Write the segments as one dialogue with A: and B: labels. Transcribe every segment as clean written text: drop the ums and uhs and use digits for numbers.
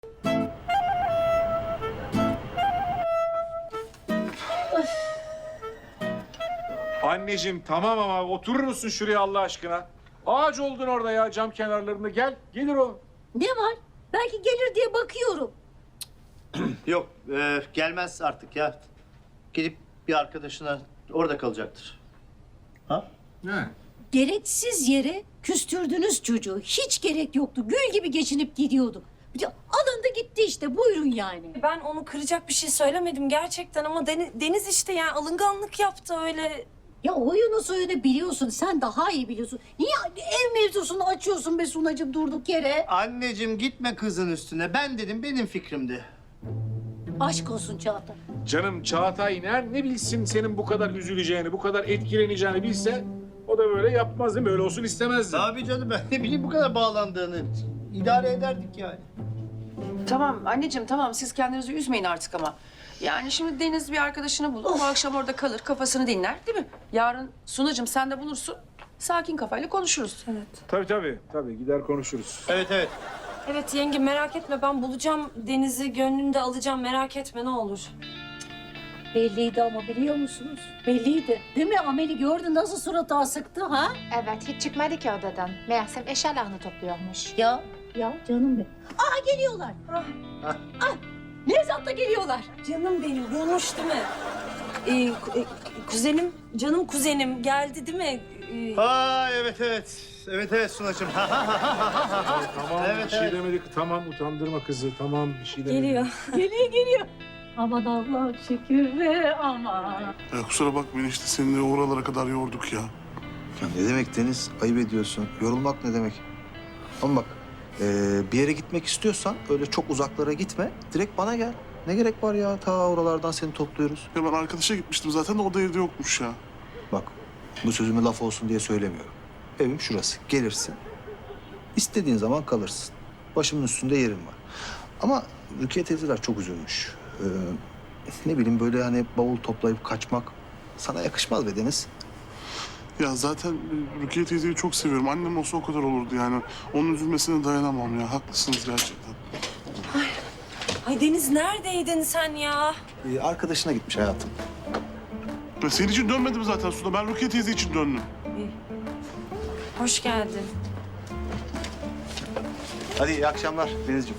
A: Anneciğim tamam ama oturur musun şuraya Allah aşkına? Ağaç oldun orada ya cam kenarlarında. Gel, gelir o.
B: Ne var? Belki gelir diye bakıyorum.
C: Yok, gelmez artık ya. Gidip bir arkadaşına orada kalacaktır. Ha?
A: He.
B: Gereksiz yere küstürdünüz çocuğu. Hiç gerek yoktu. Gül gibi geçinip gidiyorduk. Bir de alındı gitti işte. Buyurun yani.
D: Ben onu kıracak bir şey söylemedim gerçekten ama Deniz işte yani alınganlık yaptı öyle.
B: Ya oyunu suyunu biliyorsun. Sen daha iyi biliyorsun. Niye ev mevzusunu açıyorsun be Sunacığım durduk yere?
C: Anneciğim gitme kızın üstüne. Ben dedim, benim fikrimdi.
B: Aşk olsun Çağatay.
A: Canım Çağatay ne bilsin senin bu kadar üzüleceğini, bu kadar etkileneceğini bilse o da böyle yapmaz değil mi? Öyle olsun istemezdi.
C: Abi canım, ben ne bileyim bu kadar bağlandığını. İdare ederdik yani.
E: Tamam anneciğim tamam siz kendinizi üzmeyin artık ama. Yani şimdi Deniz bir arkadaşını bulur. Bu akşam orada kalır kafasını dinler değil mi? Yarın Sunacığım sen de bulursun. Sakin kafayla konuşuruz. Evet.
A: Tabii gider konuşuruz.
C: Evet, evet.
D: Evet yenge merak etme ben bulacağım Deniz'i gönlünde alacağım merak etme ne olur.
B: Belliydi ama biliyor musunuz? Belliydi. Değil mi? Amel'i gördün nasıl suratı asıktı ha?
F: Evet, hiç çıkmadı ki odadan. Meğersem eşyalarını topluyormuş.
B: Ya canım benim. Aa geliyorlar. Nevzat da geliyorlar.
D: Canım benim bulmuş değil mi? Kuzenim canım kuzenim geldi değil mi?
C: Ha, evet, evet. Evet Sunacığım.
A: Tamam
C: Evet,
A: bir şey
C: evet.
A: demedik. Tamam utandırma kızı. Tamam bir şey demedik.
D: Geliyor.
B: Geliyor. Aman Allah şükür ve aman.
G: Ya kusura bakmayın işte seni de oralara kadar yorduk ya.
H: Ya ne demek Deniz? Ayıp ediyorsun. Yorulmak ne demek? Ama bak bir yere gitmek istiyorsan öyle çok uzaklara gitme. Direkt bana gel. Ne gerek var ya? Ta oralardan seni topluyoruz.
G: Ya ben arkadaşa gitmiştim zaten de o da evde yokmuş ya.
H: Bak bu sözümü laf olsun diye söylemiyorum. Evim şurası. Gelirsin. İstediğin zaman kalırsın. Başımın üstünde yerim var. Ama Rukiye teyzeler çok üzülmüş. Ne bileyim böyle hani bavul toplayıp kaçmak sana yakışmaz be Deniz.
G: Ya zaten Rukiye teyzeyi çok seviyorum. Annem olsa o kadar olurdu yani. Onun üzülmesine dayanamam ya. Haklısınız gerçekten.
D: Ay Deniz neredeydin sen ya?
H: Arkadaşına gitmiş hayatım.
G: Ya senin için dönmedim zaten Suda. Ben Rukiye teyze için döndüm.
D: Hoş geldin.
H: Hadi iyi akşamlar Denizciğim.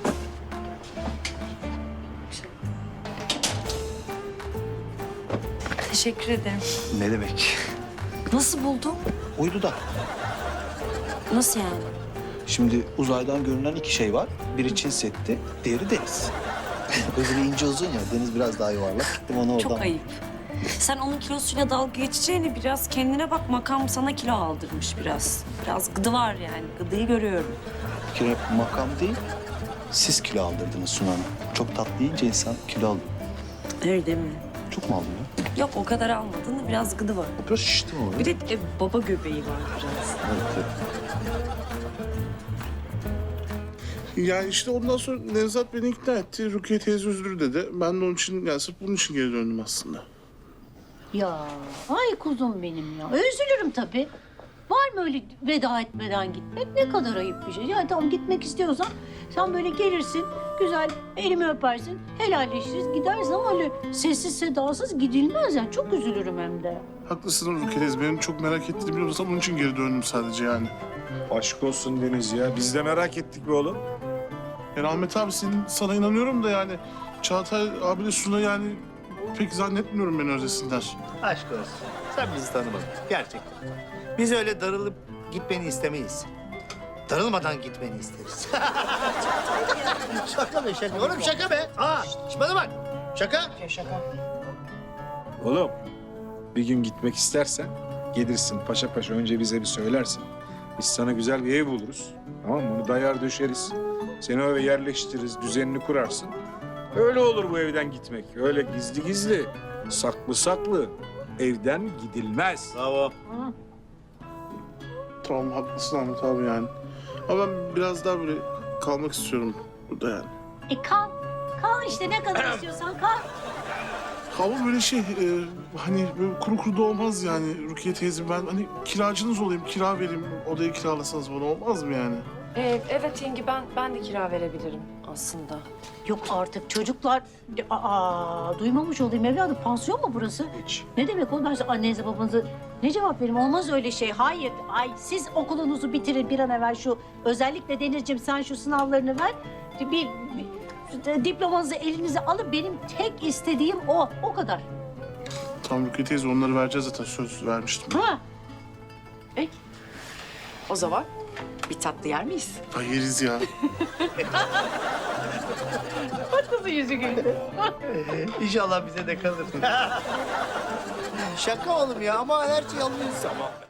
D: Teşekkür ederim.
H: Ne demek?
D: Nasıl buldun?
H: Uydu da.
D: Nasıl yani?
H: Şimdi uzaydan görünen iki şey var. Biri Çin Seddi, diğeri deniz. Öbürü ince uzun ya, deniz biraz daha yuvarlak. Gittim onu oradan.
D: Çok ayıp. Sen onun kilosuyla dalga geçeceğine biraz kendine bak. Makam sana kilo aldırmış biraz. Biraz gıdı var yani. Gıdıyı görüyorum.
H: Bir kere makam değil, siz kilo aldırdınız Suna Hanım. Çok tatlı yiyince insan kilo alıyor.
D: Öyle mi?
H: Çok mu aldın ya?
D: Yok o kadar almadın da biraz gıdı var.
H: Biraz şiştim ama.
D: Bir de baba göbeği var biraz.
H: Evet.
G: Yani işte ondan sonra Nevzat beni ikna etti. Rukiye teyze üzülür dedi. Ben de onun için, yani sırf bunun için geri döndüm aslında.
B: Ya ay kuzum benim ya. Üzülürüm tabii. Var mı öyle veda etmeden gitmek? Ne kadar ayıp bir şey. Ya tamam gitmek istiyorsan sen böyle gelirsin, güzel elimi öpersin, helalleşiriz, gidersin ama öyle sessiz sedasız gidilmez yani. Çok üzülürüm hem de.
G: Haklısın Rukiye teyze. Benim çok merak ettiğini biliyorsan onun için geri döndüm sadece yani.
A: Aşk olsun Deniz ya. Biz de merak ettik be oğlum.
G: Yani Ahmet abi sana inanıyorum da yani Çağatay abiyle Suna yani pek zannetmiyorum beni özlesinler.
C: Aşk olsun. Sen bizi tanımadın. Gerçekten. Biz öyle darılıp gitmeni istemeyiz. Darılmadan gitmeni isteriz. Şaka be şaka. Oğlum şaka be. Şş, bana bak. Şaka.
A: Oğlum bir gün gitmek istersen gelirsin paşa paşa önce bize bir söylersin. Biz sana güzel bir ev buluruz. Tamam mı? Bunu dayar döşeriz. Seni eve yerleştiririz, düzenini kurarsın. Öyle olur bu evden gitmek. Öyle gizli gizli, saklı saklı evden gidilmez.
C: Bravo.
G: Tamam haklısın Ahmet abi yani. Ama ben biraz daha böyle kalmak istiyorum burada yani.
B: Kal. Kal işte ne kadar istiyorsan kal.
G: Ama böyle hani böyle kuru kuru da olmaz yani Rukiye teyze. Ben hani kiracınız olayım, kira vereyim, odayı kiralasanız bana olmaz mı yani?
D: Evet yenge ben de kira verebilirim aslında.
B: Yok artık çocuklar. Duymamış olayım evladım. Pansiyon mu burası?
A: Hiç.
B: Ne demek o? Ben size annenize babanıza ne cevap vereyim? Olmaz öyle şey. Hayır. Ay siz okulunuzu bitirin bir an evvel şu. Özellikle Denizciğim sen şu sınavlarını ver. Bir diplomanızı elinize alın. Benim tek istediğim o. O kadar.
G: Tamam Rukiye teyze onları vereceğiz zaten söz vermiştim.
B: Ha.
E: O zaman bir tatlı yer miyiz?
G: Ay yeriz ya.
B: Kızı yüzü güldü.
C: İnşallah bize de kalır. Şaka oğlum ya ama her şey alıyoruz ama.